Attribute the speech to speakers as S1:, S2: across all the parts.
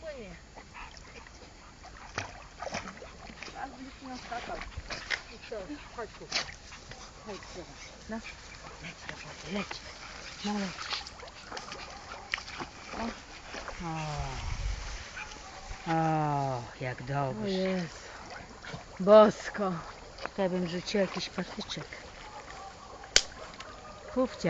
S1: płynie. Teraz będziesz miał skakał. I co? Chodź tu. Chodź, no. Leć do wody, leć. No leć. O, jak dobrze. O jest. Bosko. Tutaj bym rzuciła jakiś patyczek. Kufcia.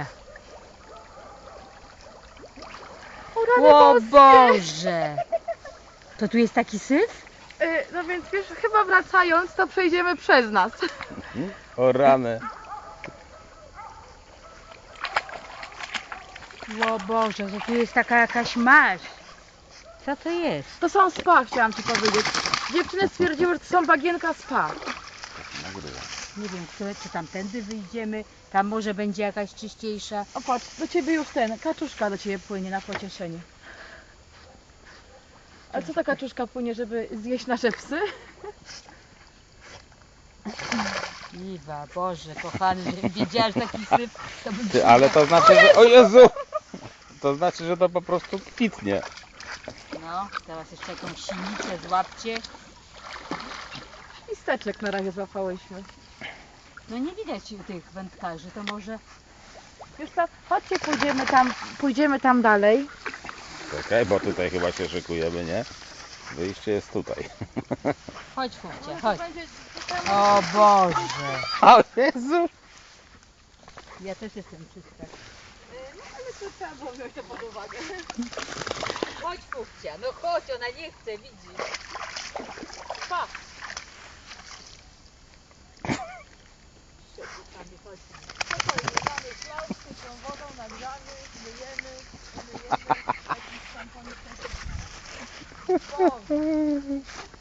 S1: O Boże! To tu jest taki syf?
S2: No więc wiesz, chyba wracając, to przejdziemy przez nas.
S3: O rany.
S1: O Boże, to tu jest taka jakaś maź. Co to jest?
S2: To są spa, chciałam ci powiedzieć. Dziewczyny stwierdziły, że to są bagienka spa.
S1: Nie wiem, czy tamtędy wyjdziemy. Tam może będzie jakaś czyściejsza.
S2: O patrz, do ciebie już kaczuszka do ciebie płynie na pocieszenie. A co ta kaczuszka płynie, żeby zjeść nasze psy?
S1: Iwa, Boże, kochany, żebym wiedziała, że taki syf, to bym
S3: Ty, ale to znaczy, że... O Jezu! To znaczy, że to po prostu kwitnie.
S1: No, teraz jeszcze jakąś sinicę złapcie.
S2: I steczek na razie złapałyśmy.
S1: No nie widać tych wędkarzy, to może...
S2: Już co, chodźcie, pójdziemy tam dalej.
S3: Czekaj, bo tutaj chyba się szykujemy, nie? Wyjście jest tutaj.
S1: Chodź, Fufcia, chodź. O Boże.
S3: O Jezu!
S1: Ja też jestem czysta.
S2: No ale to trzeba było wziąć to pod uwagę.
S1: Chodź, Fufcia, no chodź, ona nie chce, widzi.
S2: Pa! Mamy flaszkę, tą wodą nagrzamy, myjemy, jakimś szamponem.